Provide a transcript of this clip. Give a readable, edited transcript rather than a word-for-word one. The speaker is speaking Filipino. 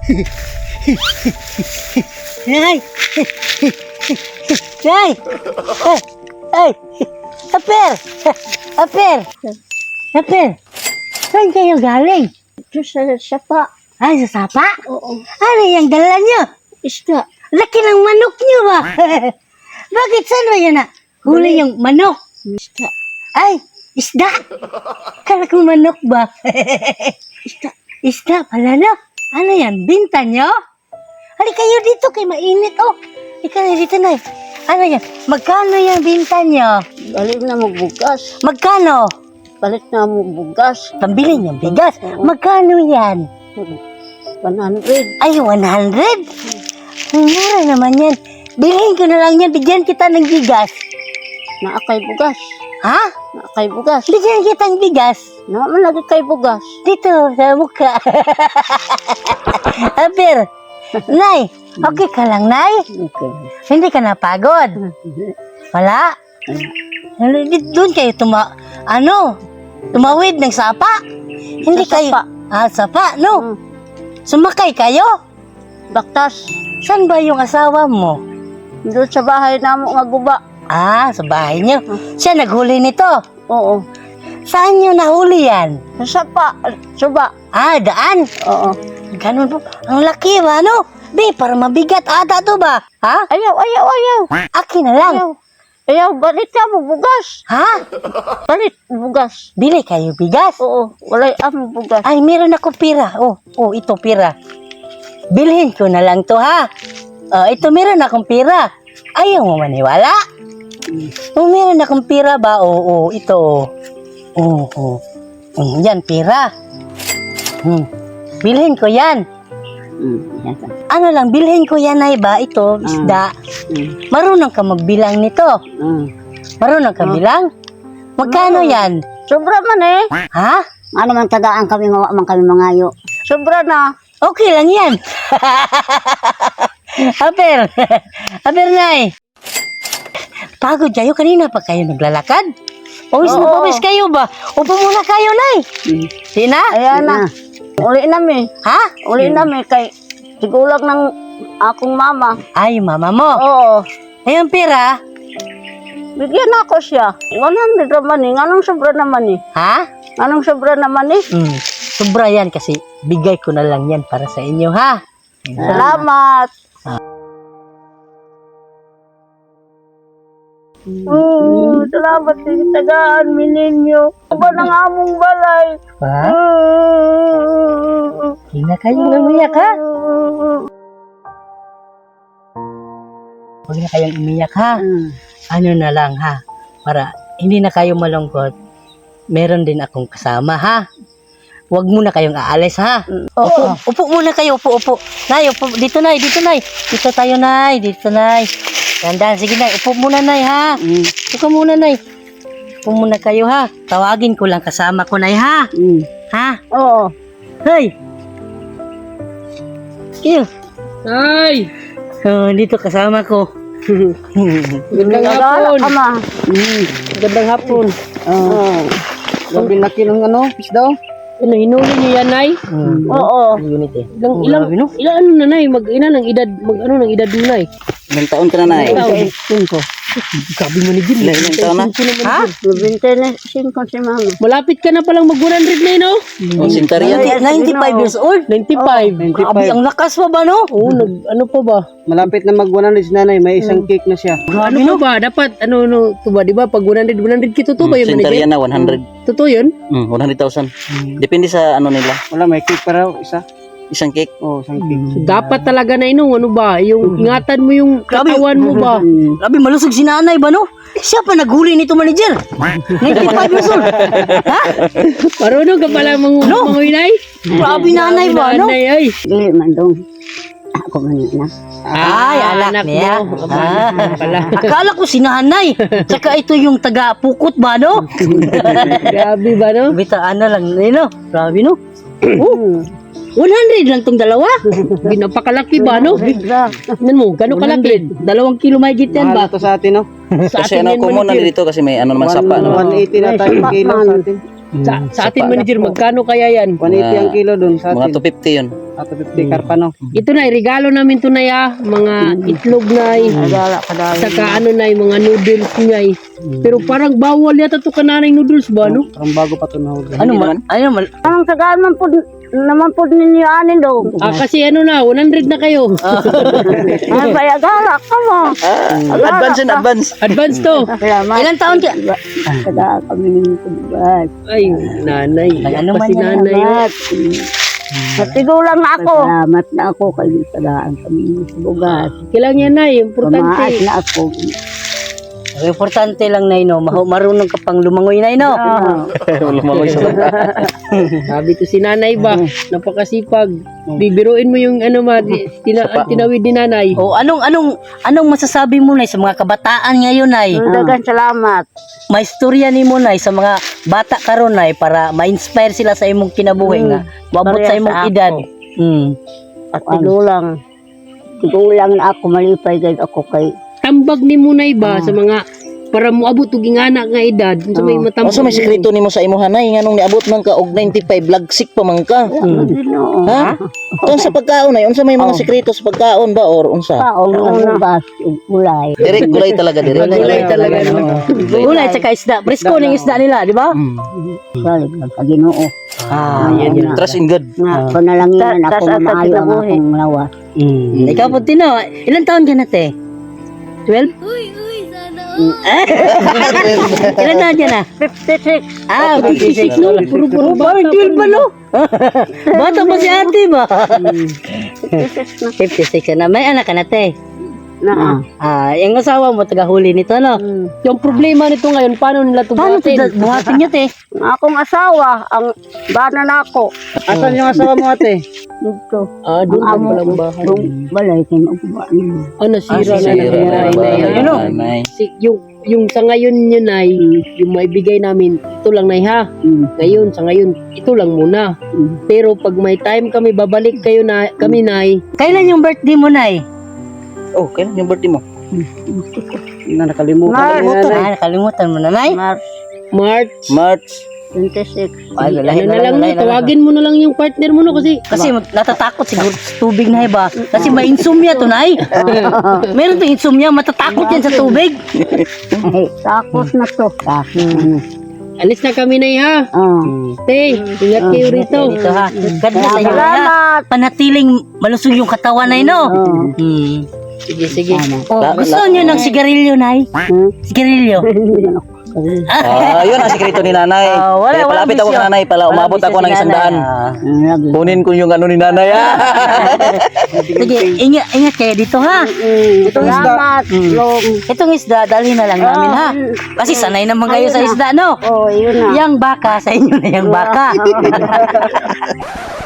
Nay! Nay! Ay! Aper! Aper! Aper! Saan kayo galing? Ito sa sapa. Ay, sa sapa? Oo. Ano yung dala nyo? Isda. Laki ng manok nyo ba? Bakit saan ba yan huli yung manok? Isda. Ay, isda! Kala ko manok ba? Isda. Isda pala no? Ano yan? Binta nyo? Hali kayo dito kay mainit oh. Ikaw na dito na Ano yan? Magkano yung binta nyo? Balik na mo bugas. Magkano? Balik na mo bugas. Pambili niyong bigas. Oo. Magkano yan? 100. Ay, 100? Mura naman yan. Bilhin ko na lang yan. Bigyan kita ng bigas. Naakay bugas. Ha? Naakay bugas. Bigyan kita ng bigas. Naman lagi kay bugas. Dito, sa mukha. Aber, Nay, okay ka lang, Nay? Okay. Hindi ka napagod? Wala? Doon kayo tumawid ng sapa? Hindi Sa kayo... sapa. Sapa, no? Sumakay kayo? Baktas. Saan ba yung asawa mo? Doon sa bahay na mo nga guba. Sa bahay niyo. Siya naghuli nito. Oo. Saan niyo nahuli yan? Sa sapa. Suba. Daan. Oo. Ganun po. Ang laki ba, no? Be, para mabigat ata to ba? Ha? Ayaw. Akin na lang. Ayaw, balik ka mo bugas. Ha? Balik bugas. Bili kayo bigas? Oo. Walay mo bugas. Ay, meron ako pira. Ito pira. Bilhin ko na lang to, ha? Ito meron akong pira. Ayaw mo maniwala? Meron akong pira ba? Ito. Yan, pira. Bilhin ko yan. Ano lang, bilhin ko yan ay ba? Ito, isda. Marunong ka magbilang nito. Marunong ka bilang? Magkano yan? Sobra man eh. Ha? Ano man tagaan kami, mawa man kami mangayo. Sobra na. Okay lang yan. Aber, Nay. Pagod kayo, kanina pa kayo naglalakad? Pawis na pawis kayo ba? Upo muna kayo, Nay. Sina? Ayan na. Uli nami. Ha? Uli nami kay sigulag ng akong mama. Ay, mama mo. Oo. Ayun, pira. Bigyan ako siya. 100 naman eh. Anong sobra naman eh? Ha? Anong sobra naman eh? Sobra yan kasi bigay ko na lang yan para sa inyo, ha? Salamat. Salamat sa tagaan, mininyo. Aba ng among balay. Ha? Hindi na kayong umiyak, ha? Huwag na kayong umiyak, ha? Ano na lang, ha? Para hindi na kayo malungkot. Meron din akong kasama, ha? Huwag muna kayong aalis, ha? Upo muna kayo, upo. Nay, upo. Dito, Nay. Dito tayo, Nay. Dito, Nay. Dandan, sige, Nay. Upo muna, Nay, ha? Upo muna, Nay. Upo muna kayo, ha? Tawagin ko lang kasama ko, Nay, ha? Ha? Oo. Hey! Kiyo. Ay! Dito kasama ko. Gandang hapon! Ama. Gandang hapon! Oo. Sabi laki ng isda. Ano, hinuli niyo yan, Nay? Oo. Unit eh. Ilang ano na, Nay? Ng edad mo, Nay? Ilang taon ka na, Nay? Sabi mo ni Jim. Ilang taon na? Ha? 25 si mama. Malapit ka na palang mag-100 na, no? O, sintaryan. 95 years old? 95. Grabe, ang lakas pa ba, no? Oo, ano pa ba? Malapit na mag-100 si nanay, may isang cake na siya. Ano pa ba? Dapat, ito ba, di ba? Pag 100 kito to ba yun, Sintaryan manager? na, 100. Totoo yun? 100,000. Depende sa nila. Wala, may cake pa raw, isa. Isang cake. Oo, isang cake. So, dapat talaga na ano ba? Yung ingatan mo yung katawan mo ba? Grabe, malusog si nanay ba, no? Siya pa naghuli nito, manager. 95 years old. Ha? Marunong ka pala manguy, Nay? Grabe nanay ba, no? Nanay, ay. Dili man dong. Ako man na. Ay, anak niya. mo. Pala. Akala ko si nanay. Tsaka ito yung taga-pukot ba, no? Grabe ba, no? Bitaan na lang, no? Grabe, no? 100 lang tong dalawa. Napakalaki ba, no? Tignan mo, gano'ng kalaki? 2 kilo may yan Mahal ba? to sa atin, no? Sa Kasi atin yan, common na manager. dito kasi may naman sapa. 180 na tayo kilo sa atin. Sa atin, manager, magkano kaya yan? 180 ang kilo doon sa Mga atin. 250 yun. Ato 50 karpa no. Ito na, regalo namin to na mga itlog na Nagala ka dahil. saka ano na mga noodles na Pero parang bawal yata to kananay noodles ba, no? Parang bago pa to na huli. Ano man? Ano man? Anong sagaan naman po ninyo anin daw. Kasi ano na, 100 na kayo. Ay, kaya gala ka mo. Advance and advance. Advance to. Salamat. Ilang taon ka? Tagaan kami ninyo tubugas. Ay, nanay. Ano man Kasi yan, nanay. Salamat. Natigulang na ako. Salamat na ako kayo tagaan kami ninyo tubugas. Kailangan yan, nay. Pamaas Importante. na ako. Ang importante lang na marunong ka pang lumangoy na Lumangoy sa Sabi to si nanay ba, napakasipag. Bibiruin mo yung ano tinawid ni nanay. O anong masasabi mo na sa mga kabataan ngayon ay? Dagan salamat. May istorya ni mo na sa mga bata karon ay para ma-inspire sila sa imong kinabuhi nga maabot sa Pareha imong sa ako. edad. At tigulang na ako malipay gayud ako kay Tambag ni Munay ba sa mga para moabot og ingana nga edad sa may matambag. Asa may sekreto nimo sa imo hanay nganong niabot man ka og 95 lagsik pa man ka? Ginoo. Ha? Tungod sa pagkaon ay unsa may mga sekreto sa pagkaon ba or unsa? Paong ubas ug ulay. Direk gulay talaga direk. Gulay talaga. Ulay tsaka isda, presko ning isda nila, di ba? Salig sa Ginoo. Yan. Trust in God. Nga panalanginan ako nga maayo ang akong lawas. Ikaw po Tino, ilang taon ka na te? 12? Ilan taon ka na? 56. 56 no? Puro bata. 12 ba no? Bata pa si ate ba? 56 na. May anak ka na te? Na. Yung asawa mo taga-huli nito no? Yung problema nito ngayon, paano nila ito Paano ito buhatin? buhatin niyo te? Ang akong asawa ang bana na ako. Asan yung asawa mo ate? Dito. Doon Ang ang amo palang bahay. ko. Balay kay magbuha niyo. Nasira na Sira ng na nanay ba? na yan. Ano? Nanay. Yung sa ngayon yun ay, yung maibigay namin, ito lang nay ha. Ngayon, sa ngayon, ito lang muna. Pero pag may time kami, babalik kayo na, kami nay. Kailan yung birthday mo nay? Oh, kailan yung birthday mo? Na nakalimutan. Nakalimutan mo na nay? March, March. 26. Ay, ano na lang no, tawagin mo na lang yung partner mo no kasi Kasi natatakot siguro sa tubig na iba. Kasi may insomnia to nay. Meron to insomnia, matatakot yan sa tubig. Ay, takos na to. alis na kami nay ha. Te, ingat kayo rito. Dito ha. God bless sa inyo ha. Salamat. Panatiling malusog yung katawan nay no. Sige, sige. Oh, gusto niyo ng sigarilyo nay? Sigarilyo. Yun ang sekreto ni nanay. Kaya palapit ako bisyo. sa nanay pala umabot ako ng 100. Kunin ko yung ano ni nanay. Sige, ingat kayo dito ha. Salamat. Itong isda, dalhin na lang namin ha. Kasi sanay naman kayo sa isda no. Oh, yun na. Yang baka, sa inyo na yung baka.